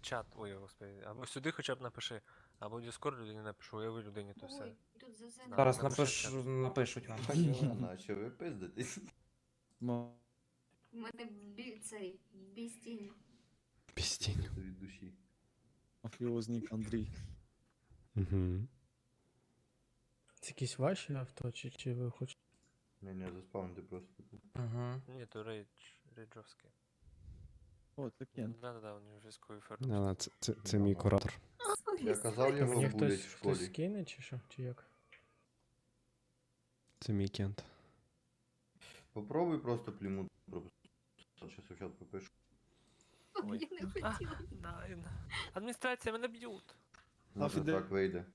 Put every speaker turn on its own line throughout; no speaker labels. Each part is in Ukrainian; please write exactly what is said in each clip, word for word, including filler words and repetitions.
чат, ой, господи, або сюди хоча б напиши, або в Discord людині напишу, уяви людині, то все.
Ой, тут за зеленим.
Зараз
напиши в
напиш,
чат.
напишуть вам.
Єлена, а що ви пиздитесь?
Мо-
У мене бі... цей, бістінь.
Пістінь.
Це від душі.
Мафіозник Андрій.
Угу.
Це якісь ваші авто, чи, чи ви хочете?
Не, не, заспавнити просто.
Угу.
Ні, то рейдж, рейджовський.
О, це Кен.
Да-да-да, у нього військовий
Да,
ферм.
да, це, це, це мій куратор.
Я казав його
Мені
булять
хтось,
в школі.
хтось скине, чи що? Чи як?
Це мій кент.
Попробуй просто плімут пропустити. Сейчас в чат попишу.
Ой.
Я не хотіла.
Да, адміністрація, мене б'ють.
Може
Фіде-
так вийде.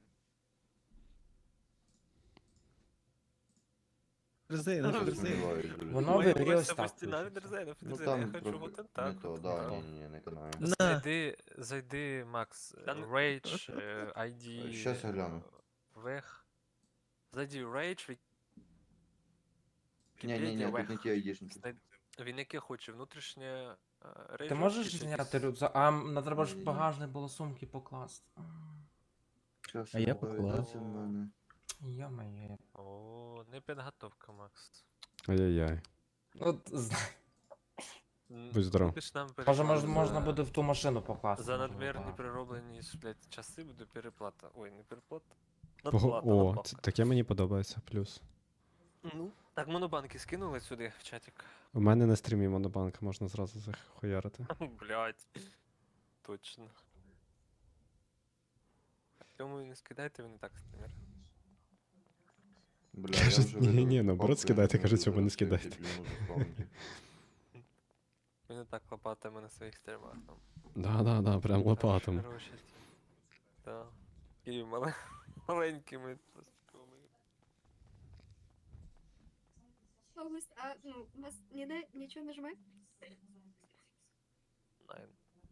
Резейна,
Ну,
Я
резейна.
сумніваюсь дуже.
Воно
Ой,
вирілось
ось це
так,
постійно,
виходить.
Дерзейна,
Ну
Дерзейна, я
там
хочу
трохи
вот
не
так.
то,
вот
да,
так.
ні, ні, ні, не канаю.
Зайди, зайди, Макс, Rage, е, ай ді,
Щас я гляну.
Вех. Зайди Rage,
Ні, ні, ні,
Вікіпедія,
тут не
Вех.
ті айдішники.
Знай- Він яке хоче, внутрішнє е, Rage.
Ти можеш зняти рюкзак? А м, треба ж в
Ні-ні.
багажник було сумки покласти.
Щас
А я
повідеться
поклав.
в мене.
Йо-моє.
О, не підготовка, Макс.
Ай-яй-яй.
От, з-
М,
Будь здоров.
будеш нам
може,
переплата
мож, можна
за-
буде в ту машину покласти.
За
може,
надмірні
багажник.
перероблені блядь, часи буде переплата. Ой, не переплата.
Ого,
Надплата,
о,
надбавка.
це- таке мені подобається, плюс.
Ну, так монобанки скинули сюди в чатик.
У мене на стрімі монобанк можна зразу захуярити.
Блять. Точно. Тому і не скидайте, він і так стример.
Бля, я
Кажуть,
вже
ні,
видав
ні, наоборот,
папку, я
скидайте,
не
кажуть,
можу
цього не
зараз знайти
скидайте.
плімут заспавнити.
Він і так лопатами на своїх стримах. Там.
Да-да-да, прям лопатом.
Хороші. Так. І мале... маленькими.
А у вас, а, ну, у вас ніде нічого не жме?
Найн.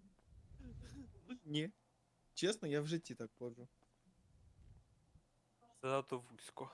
Ні. Чесно, я в житті так ходжу.
Занадто вузько.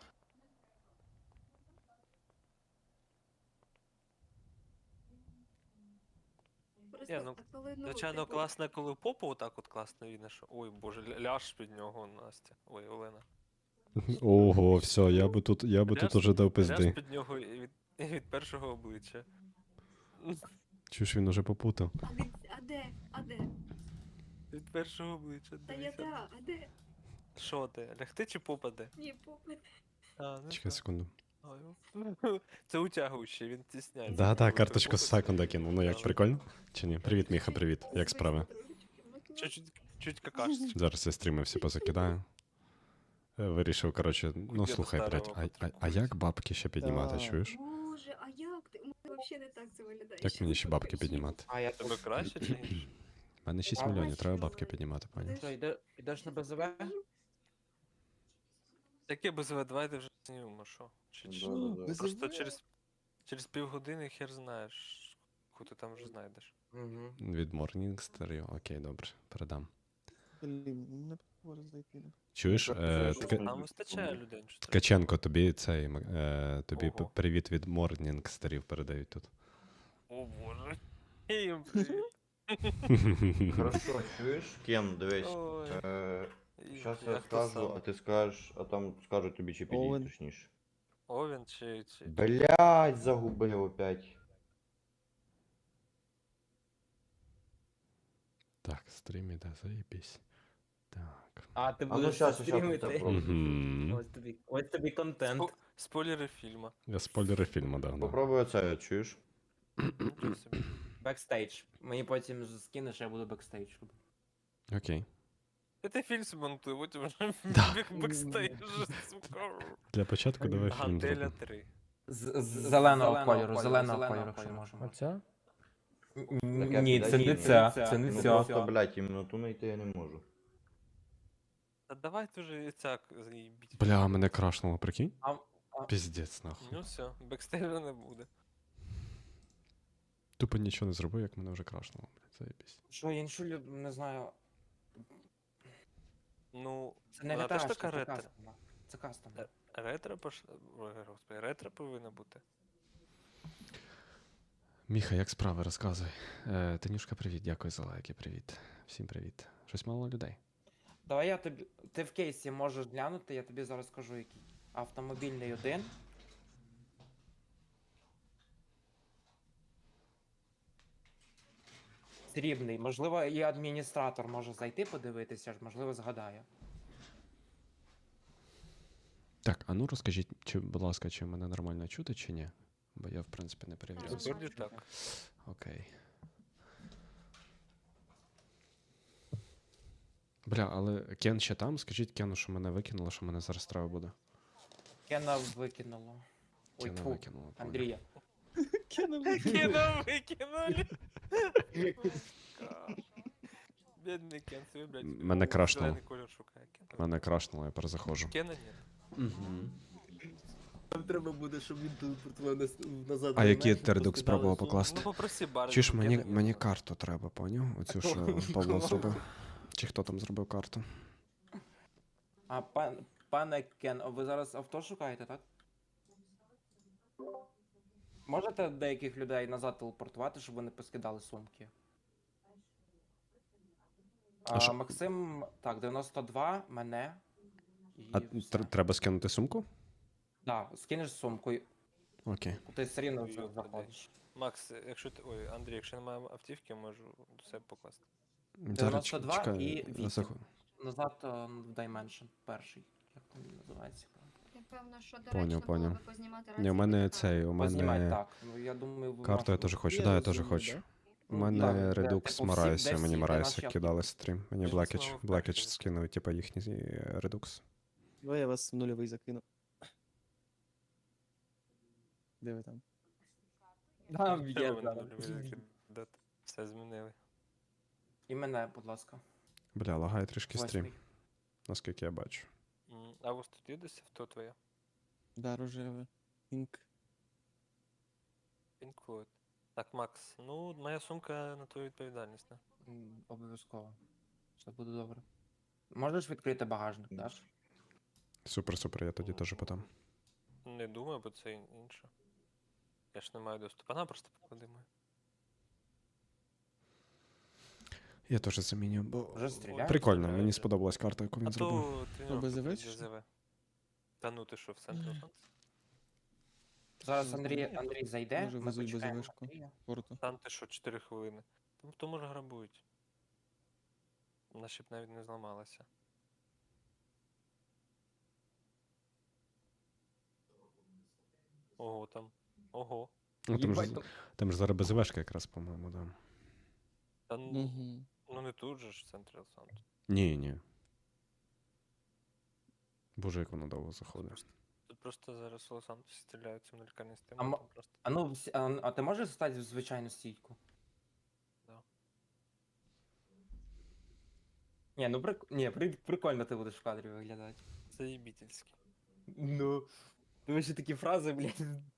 Просто,
Ні, ну,
а коли, ну,
Звичайно,
типу,
класно, коли попу отак от класно видно, що... Ой, боже, ля- ляж під нього, Настя. Ой, Олена.
Ого, все, я би тут, я би тут
Ляж-
уже дав
Ляж
пизди.
під нього і від, і від першого обличчя.
Чуєш, він уже попутав.
А, від, а де? А де?
Від першого обличчя.
Та я
дивися.
да, а де?
Що ти? Лягти чи попаде?
Ні, попит.
А, ну
Чекай
що?
секунду.
Ой, ну, це утягуючий, він стісняється.
Да-да,
коли
карточку з
ти попадеш.
секунда кинув. Ну як, прикольно? Чи ні? Привіт, Міха, привіт. Як справи?
Чуть-чуть, чуть какашечка.
Зараз я стріми всі позакидаю. Е, Вирішив, коротше, ну
Кудєта
слухай, блядь,
старого
а, а, а як бабки ще піднімати,
Так.
чуєш?
Боже, а як ти? У мене взагалі не так це виглядає.
Як
Ще
мені ще бабки
покажи.
піднімати?
А я
Тебе
тут.
краще чи ні?
У мене шість
А,
мільйонів, треба
бачу,
бабки піднімати, пані.
Що, йде, йдеш на БЗВ?
Таке без В, давайте вже знімемо, що? Чи, чи?
Да-да-да.
Без
Просто
В?
через, через півгодини хер знаєш, яку ти там вже знайдеш.
Угу.
Від Morningstar, окей, добре, передам.
Блін, не можу зайти.
Чуєш,
Так,
е,
це ж
Тка-
Нам вистачає людей, що треба.
Ткаченко, тобі цей, м- е, тобі п-
Ого.
привіт від Morningstarів передають тут.
О боже. І їм привіт.
Хорошо, чуєш? Кен, дивись.
Ой.
Е,
І
Щас я
як то
скажу,
саме?
а ти скажеш, а там скажуть тобі чи
Овен.
підійдь точніше.
Овен чи... чи...
Блять, загубив опять.
Так, стрім іде, заєбісь. Так.
А ти
А ну
будеш
щас, щас,
стрімити?
щас, попробуй.
Угу.
Ось тобі, ось тобі контент.
Спо- Спойлери фільма.
Я спойлери фільму дав. Да.
Попробуй оце, чуєш?
Нічого собі.
Бекстейдж. Мені потім скинеш, я буду бекстейдж робити.
Окей.
Та ти фільм змонтуй, потім вже
Да.
бек- бекстейдж, сука.
Для початку давай фільм
Гантеля
зробимо.
три.
З, з зеленого кольору, зеленого кольору, якщо можемо.
Оця?
Н- Ні, це не ця, це не
Ну
ця.
просто, блять, іменно ту знайти я не можу.
Та давайте вже і цяк заїбіть.
Бля, мене крашнуло, прикинь?
А,
Піздець, нахуй.
Ну все, бекстейджа не буде.
Тупо нічого не зробив, як мене вже крашнуло, блядь, заєбісь.
що, іншу люд, не знаю.
Ну,
Це не
вона теж
реташка,
така
це
ретро.
кастом. Це кастом.
Е, Ретро пошла. Ой, господи, ретро повинна бути.
Міха, як справи, розказуй. Е, Танюшка, привіт, дякую за лайки, привіт. Всім привіт. Щось мало людей.
Давай я тобі. Ти в кейсі можеш глянути, я тобі зараз скажу який. Автомобільний один. Срібний. Можливо, і адміністратор може зайти подивитися, ж, можливо, згадає.
Так, а ну розкажіть, чи, будь ласка, чи мене нормально чути, чи ні? Бо я, в принципі, не перевіряв.
Так.
Вроді так.
Окей. Бля, але Кен ще там? Скажіть Кену, що мене викинуло, що мене зараз треба буде.
Кена викинуло. Ой,
Кена
тьфу,
викинуло. понял.
Андрія.
Кинули.
Кена викинули. Бідний Кен, собі, блядь.
Мене крашнуло.
Зелений колір шукає. Кена.
Мене крашнуло, я перезаходжу.
Кена ні.
Угу.
Нам треба буде, щоб він телепортував нас назад.
А
до
який
мене, щоб
Тередукс
поскидали
спробував
сумку.
покласти?
Ну попроси бар.
Чи ж мені, мені карту треба, поняв? Оцю, що Павло
Кому?
зробив. Чи хто там зробив карту?
А пан, пане Кен, а ви зараз авто шукаєте, так? Можете деяких людей назад телепортувати, щоб вони поскидали сумки?
А
А,
що-
Максим, так, дев'яносто два, мене. І
А
все.
тр- треба скинути сумку?
Да, скинеш сумку, і
Окей.
ти все рівно
Ой,
за-
йоп,
заходиш.
Макс, якщо ти. Ой, Андрій, якщо немає автівки, можу до себе покласти.
Зараз
дев'яносто два
чекай,
і вісім.
заход-
Назад е, в Dimension, перший. Як там він називається?
Я певно, що
Поняв,
доречно було
поняв.
би познімати
Ні, у мене
рації.
цей, у
Познімай
мене
так. Ну я думаю, ви
карту я
можете-
теж хочу,
Є
да, я теж
розумно,
хочу.
да?
У
Ну,
мене
так, де,
Redux
типу, всі-
Марайся,
де
мені
всі, де
Марайся
наші
кидали стрім. Мені
Я
Блакіч,
знову
Блакіч
вперше.
скинув, типа їхній е, Redux.
Давай я вас в нульовий закину. Де ви там?
Там є
Треба
зараз.
мене нульовий закидати. Все змінили.
І мене, будь ласка.
Бля, лагає трішки стрім,
Восьмий.
наскільки я бачу.
М, А ось тут є десь авто твоє?
Да, рожеве. Інк.
Pink Floyd. Так, Макс, ну, моя сумка на твою відповідальність, не?
М, Обов'язково. Все буде добре. Можеш відкрити багажник, даш?
Супер, супер, я тоді теж подам.
Не думаю, бо це ін- інше. Я ж не маю доступу. Вона просто поклади мою.
Я теж заміню, бо
Вже стріляють?
прикольно,
Стріляють,
мені
да.
сподобалась карта, яку він
А
зробив.
то тренування
без
тут
ЗВ
є
чи що?
ЗВ. Та ну ти що, в центрі Лос-Анджелеса?
Зараз
Ну,
Андрій,
знаєте,
Андрій зайде,
може,
ми
везуть
почекаємо
безвишку.
Андрія.
Порту.
Там ти що, чотири хвилини. Там то може грабують. Вона ще б навіть не зламалася. Ого, там. Ого.
Ну, там, ж,
Їбать, то-
там ж зараз БЗВшка якраз, по-моєму, да.
Та ну,
Угу.
ну не тут же ж в центрі Лос-Анджелеса.
Ні, ні. Боже, як воно довго заходить.
Тут просто зараз в Лос-Анджелесі стріляються на лікарні стіни.
А мо-
там просто...
А ну, всі- а, а ти можеш стати в звичайну стійку?
Да.
Ні, ну прик... Ні, при... прикольно ти будеш в кадрі виглядати.
Заєбітельський.
Ну. Ти ще такі фрази, блядь.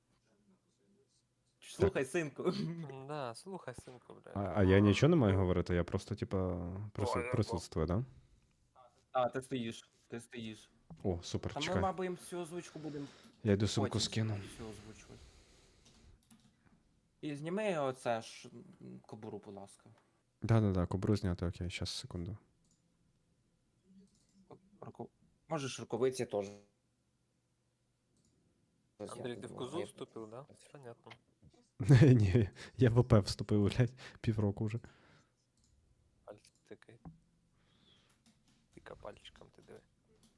Слухай, синку.
М, Да, слухай, синку,
А,
блядь.
а я нічого не маю говорити, я просто, типа, прису-
Ой,
присутствую, да?
А, ти стоїш. Ти стоїш.
О, супер,
Та ми,
чекай.
мабуть, всю озвучку будемо
Я йду сумку
потім
скину.
всю озвучувати. І зніми оце ж м, кобуру, будь ласка.
Да-да-да, кобру зняти, окей, щас, секунду.
Руку... Можеш рукавиці теж.
Андрій, ти в козу вступив, да? Понятно.
Ні, я в ОП вступив, блядь, півроку вже.
Пальці тикай. Тика пальчиком ти диви.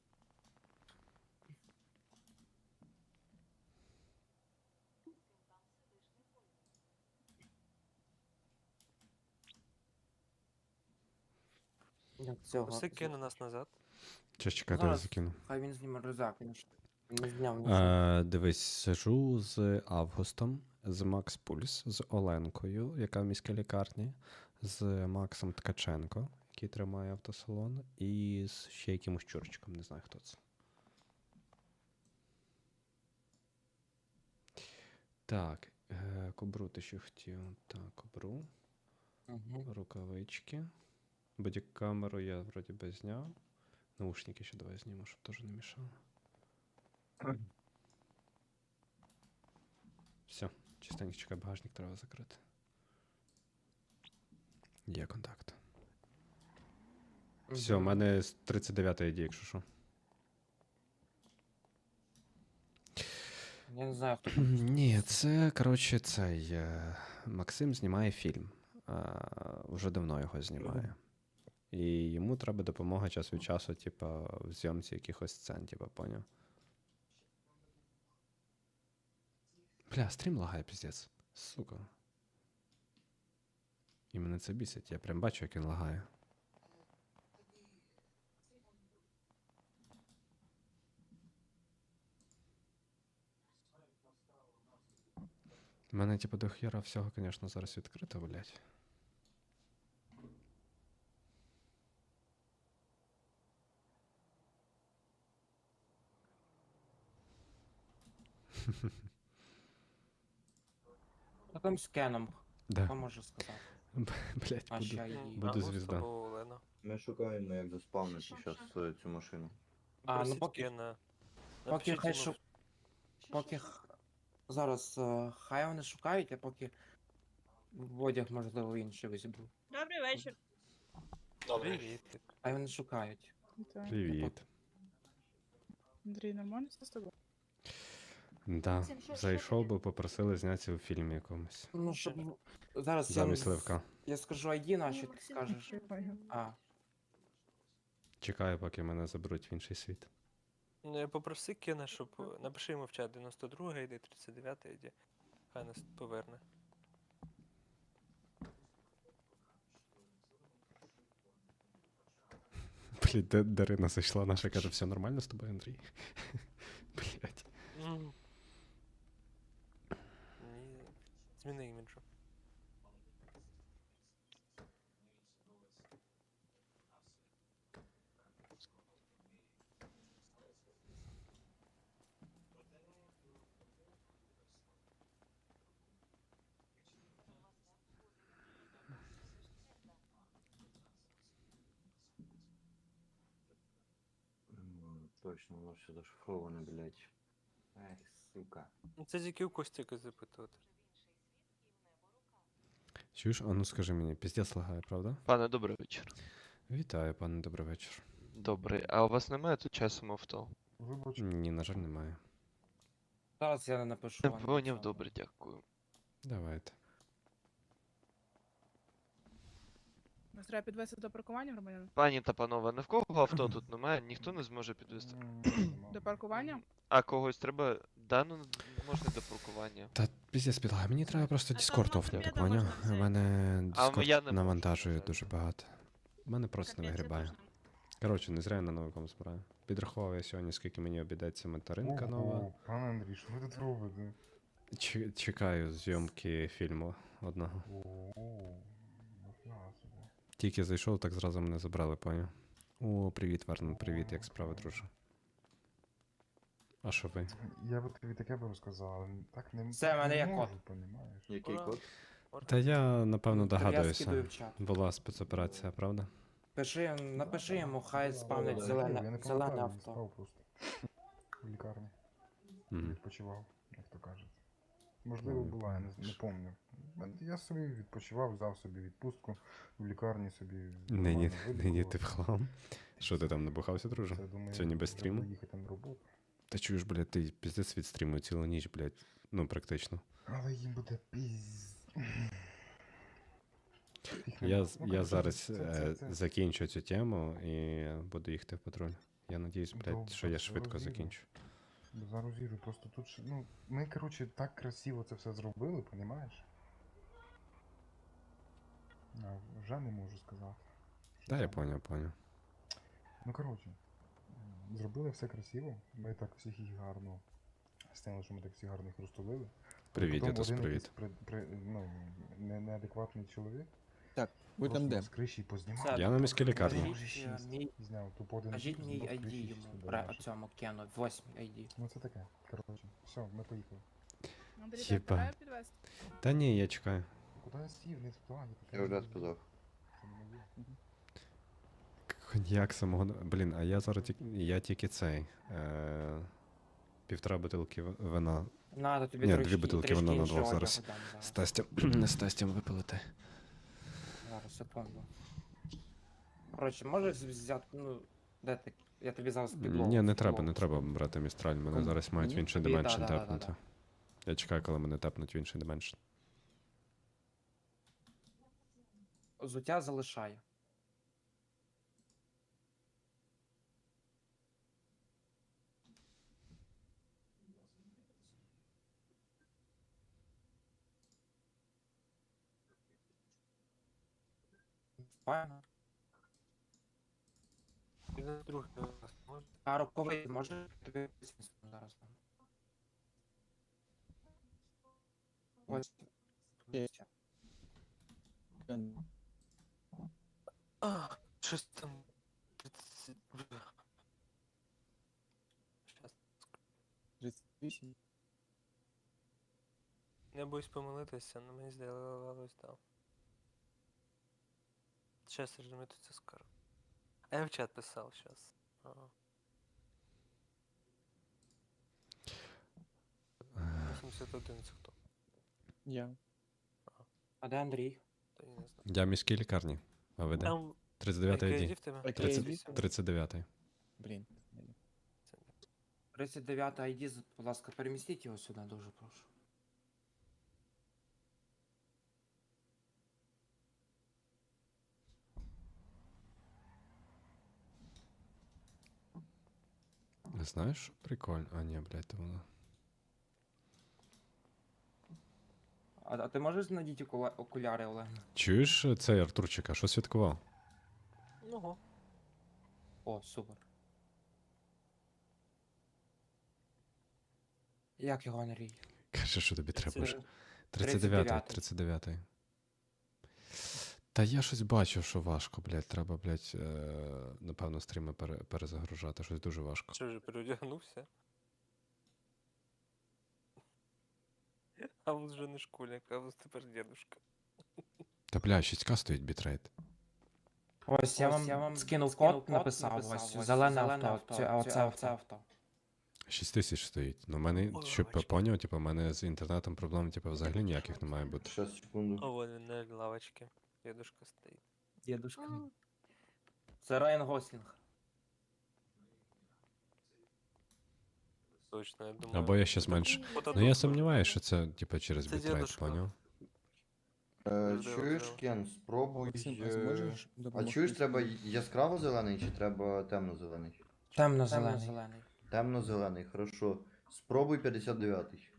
Цього.
Усе кине нас назад.
Щас чекайте, я
Зараз.
закину.
Хай він зніме рюкзак, він ж не зняв нічого.
Е, дивись, сижу з Августом, з Макс Пульс, з Оленкою, яка в міській лікарні, з Максом Ткаченко, який тримає автосалон, і з ще якимось чурчиком, не знаю хто це. Так, е, кобру ти ще хотів. Так, кобру,
Угу.
рукавички. Бодікамеру я вроді би зняв. Наушники ще давай зніму, щоб теж не мішало. Все, Частенько чекай, багажник треба закрити. Є контакт. Все, у
Мгм.
мене з тридцять дев'ятої йде, якщо що.
Я не знаю, хто там.
Ні, це, коротше, цей е, Максим знімає фільм. А, вже давно його знімає. І йому треба допомога час від часу, типа, в зйомці якихось сцен, типа, поняв? Бля, стрім лагає, піздець. Сука. І мене це бісить, я прям бачу, як він лагає. У мене, типу, до хера всього, звісно, зараз відкрито, блядь.
Що там з Кеном?
Да.
Хто може сказати?
Блядь,
А ще
буду.
й...
М,
Буду
Август
звізда.
або Олена.
Ми шукаємо, як заспавнити зараз цю машину.
А, ну
Просіть
поки,
Кена.
поки
Напишіть
хай
йому
шу... Поки х- зараз е, хай вони шукають, а поки в одяг, можливо, інший візьму.
Добрий вечір.
привіт.
Хай вони шукають.
Вітаю.
Привіт.
Андрій, нормально все з тобою?
Да.
Максим, що- що
Зайшов
таке?
би, попросили знятися у фільмі якомусь.
Ну, щоб... Зараз я,
Замість
з-
Левка.
я скажу ай ді наші, ти
Максим,
скажеш.
Понял.
А,
Чекаю, поки мене заберуть в інший світ.
Ну, я попроси Кена, щоб е, напиши йому в чат дев'яносто друга йде, тридцять дев'ята йде. Хай нас поверне.
Блядь, де Дарина зайшла, наша каже, все нормально з тобою, Андрій? Блядь.
М. Ні. Зміни іміджу.
М, Точно, воно все зашифроване, блядь. Ай, сука.
Ну, це тільки у Костіка запитувати.
Чуєш, а ну скажи мені, піздець лагає, правда?
Пане, добрий вечір.
Вітаю, пане, добрий вечір.
Добрий. А у вас немає тут часом авто?
Ні, на жаль, немає.
зараз я не напишу.
Не
вам
поняв,
нічого.
добре, дякую.
Давайте.
Нас треба підвести до паркування, громадян?
Пані та панове, ні в кого авто тут немає, ніхто не зможе підвести.
До паркування?
А когось треба. Да, ну можна до паркування.
Та піздець підлагає, мені треба просто
А то
Discord
одного
офнути,
привіда
поняв?
можна
У
взяти.
мене
А я не
Discord
можу,
навантажує
на жаль.
дуже багато. У мене просто не
Капець, я
вигрібає.
теж не.
Коротше, не зря я на новиком збираю. Підрахував я сьогодні, скільки мені обійдеться материнка нова.
Пане Андрій, що ви тут робите?
Ч- чекаю зйомки фільму одного.
О, ніфіга собі.
Тільки зайшов, так зразу мене забрали, поняв? О, привіт, Вернон, привіт, як справи, друже? А що ви?
Я би тобі таке би розказав, але так не,
Все,
так
в мене
не
є
можу,
код.
понімаєш?
Який
Ура.
код?
Та я, напевно,
То я скидаю
догадуюся.
в чат.
Була спецоперація, правда?
Пиши, напиши йому, хай спавнить
да,
Я
зелене,
не
зелене
пам'ятаю,
авто.
спав просто. В лікарні.
Мгм.
Відпочивав, як то кажуть. Можливо,
Ну,
була, я не, не пам'ятаю. Я собі відпочивав, взяв собі відпустку, в лікарні собі.
Нині,
нормально
нині
видихував.
ти в хлам. Що ти там набухався, друже?
Це, думаю,
Сьогодні без
треба
стріму?
їхати на роботу.
Та чуєш, блядь, ти піздець від стріму цілу ніч, блядь. Ну, практично.
Але їм буде піз... Їх
Я,
нема.
з-
Ну,
я
коротше,
зараз
це- це-
е,
це-
закінчу цю тему і буду їхати в патруль. Я надіюсь, блядь,
Добре,
що я
це
швидко
розумію.
закінчу.
Зараз їду, просто тут ще, ну, ми, коротше, так красиво це все зробили, понімаєш? А, вже не можу сказати. що
Та я
там.
поняв, поняв.
Ну, коротше, м, зробили все красиво, ми так всіх їх гарно, стало, що ми так всіх гарно їх розтулили. Але
Привіт,
потім
Ятос,
один
привіт.
якийсь При, при, ну, не, неадекватний чоловік
Так, ви
просто
там де?
нас з криші познімав.
Це,
Я на міській лікарні.
Може,
Кажіть,
шість.
е, мій,
Зняв тупо один
кажіть
з-
мій
з
ай ді
криші
йому,
сюди
бра,
наші.
цьому Кену, восьмий ай ді.
Ну це таке, коротше. Все, ми поїхали.
Андрій,
Єба.
тебе треба підвести?
Та ні, я чекаю.
Куди я сів? Не туди, не
Я вже сказав.
Це не моє.
Коньяк самого. Блін, а я зараз тільки. Я тільки цей. Е... Півтора бутилки в- вина
Надо тобі
Ні,
трішки,
дві бутилки,
трішки
воно на
іншого
двох зараз.
одягу дам
З тестем, з тестем випилити.
Зараз, секунду. Коротше, можеш взяти, ну, де ти? Я тобі зараз підлогу.
Ні, не треба,
підлогу
не треба
скину.
брати містраль. Мене
Кому?
зараз мають в
Мені?
інший
Тобі,
дименшн
да-да-да-да-да.
тепнути. Я чекаю, коли мене тепнуть в інший дименшн.
Взуття залишає. Файно.
дев'яносто другий у нас може?
А роковий може тобі зараз дам. Ось.
Є. Кен.
А, щось там. тридцять. Щас.
тридцять вісім.
Я боюсь помилитися, але мені здалось, так. Щас я ж тут це скажу. А я в чат писав щас. Ага. вісімдесят один це хто?
Я.
А де Андрій?
Та я не знаю.
Я в міській лікарні. А ви де?
Там
тридцять дев'ятий
який
ай ді.
в тебе?
Окей,
тридцять,
вісім.
тридцять дев'ятий.
Блін.
тридцять дев'ятий ай ді, будь ласка, перемістіть його сюди, дуже прошу.
Знаєш, що прикольно? А, ні, блядь, то воно.
А, а ти можеш надіти окуля- окуляри, Олег?
Чуєш е, цей Артурчика, що святкував?
Ого.
О, супер. Як його Андрій?
Каже, що тобі треба ж.
Це
тридцять дев'ятий, тридцять дев'ятий. Та я щось бачив, що важко, блядь. Треба, блядь, е, напевно, стріми пере, перезагружати. Щось дуже важко.
Що вже переодягнувся? А вот вже не школьник, а вот тепер дедушка.
Та, блядь, шість ка стоїть бітрейт.
Ось я вам, скинув код, написав, ось, зелене авто, це, а оце авто. авто.
шість тисяч стоїть. Ну, в мене,
Ой,
щоб
бачу.
поняв, типу, в мене з інтернетом проблем, типу, взагалі ніяких не має бути.
Щас, секунду.
А вон він на лавочці. Дедушка стоїть.
Дідушка. Це Райан Гослінг.
Точно, я думаю.
Або я ще зменшу.
Вот
Ну,
это
я
вот.
сумніваюся, що це, типу, через
Це
бітрейт,
дедушка.
поняв?
Е,
Можливо,
чуєш,
можливо.
Кен, спробуй.
Максим, а
е,
зможеш
А
допомогти?
чуєш, треба яскраво зелений чи треба темно-зелений?
Темно-зелений.
Темно-зелений, хорошо. Спробуй п'ятдесят дев'ятий.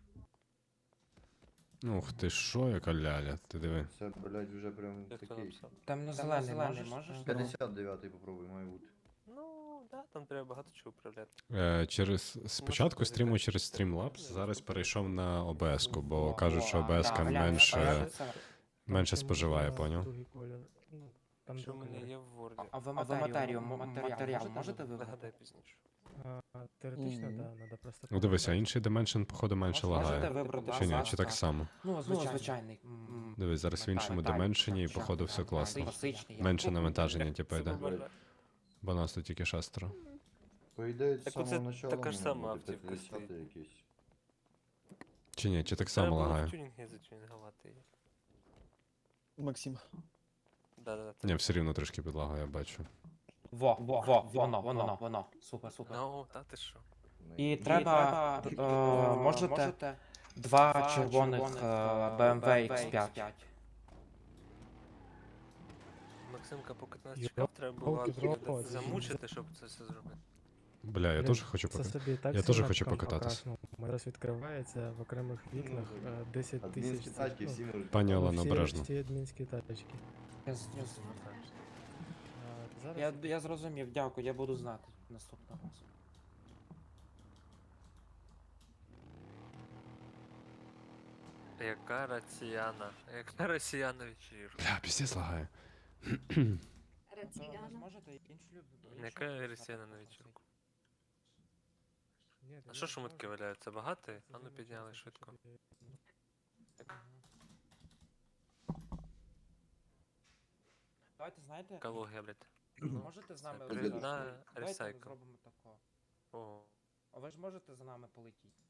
Ух ти що, яка ляля, ти диви.
Це, блядь, вже прям
Як хто
такий.
написав?
Темно-зелений, можеш? можеш?
п'ятдесят дев'ятий попробуй, має бути.
Ну, да, там треба багато чого управляти.
Е, через, спочатку
бути
стріму
так.
через Streamlabs, зараз перейшов на о бе ес-ку, бо
Во,
кажуть,
во,
що
а,
о бе ес-ка
да, бля,
менше,
це-
менше
Там
споживає,
можна
поняв?
другий колір. Ну, там
Що в
другий
мене
колір.
є в Word.
А ви матеріал, м- матеріал можете
Нагадай
вибрати?
пізніше.
А, Теоретично,
Мгм.
да, надо просто.
Ну дивися, інший Dimension, походу, менше
Можете
лагає.
вибрати
Чи ні,
база,
чи так
так.
само?
Ну, звичайний. М,
Дивись, зараз в
металік,
іншому
металік,
Dimension і
так,
походу
так,
все класно.
класичний, як
Менше
круг.
навантаження, типу,
Це
йде.
побажаю.
Бо нас тут тільки шестеро.
По ідеї, з
Так
самого
оце
начала
така ж
має
сама
бути
автівка
п'ятдесят
стоїть.
якийсь.
Чи ні, чи так
Треба
само
було в
лагає?
тюнінги затюнінгувати її.
Максим.
Да-да-да.
Ні, все рівно трошки підлагає, я бачу.
Во, во, во, воно, воно, воно. Супер, супер.
Ну, та ти що?
І треба, е, можете два червоних е, бе ем ве ікс п'ять.
Максимка, поки ти нас
Йо,
чекав, треба було
палки
Акіда
дрова, це
замучити, щоб це все зробити.
Бля, я
Блін,
теж хочу
це
поки.
собі так
Я теж
сильно
хочу
там
покататись.
покрасно. У мене Зараз відкривається в окремих вікнах е, десять
Адмінські
тисяч.
тачки
ну,
всі можуть.
Пані
ну,
Олено,
всі-
обережно.
Всі адмінські тачки.
Я, зрозумів.
А, Зараз
я, я зрозумів, дякую, я буду знати наступного разу.
Яка росіяна? Яка росіяна вечірка?
Бля, піздець лагає.
Раціяна.
Можете іншу любу.
Яка росіяна на вечірку?
Ні,
А
я
що
не
шумитки
можу.
валяються? Багато?
Це
А ну
замічати,
підняли
що
швидко.
тобі-
Давайте, знаєте,
Екологія, блядь.
можете з нами
Це
от
привідна
зараз- давайте
ресайкл.
зробимо тако.
О,
А ви ж можете за нами полетіти?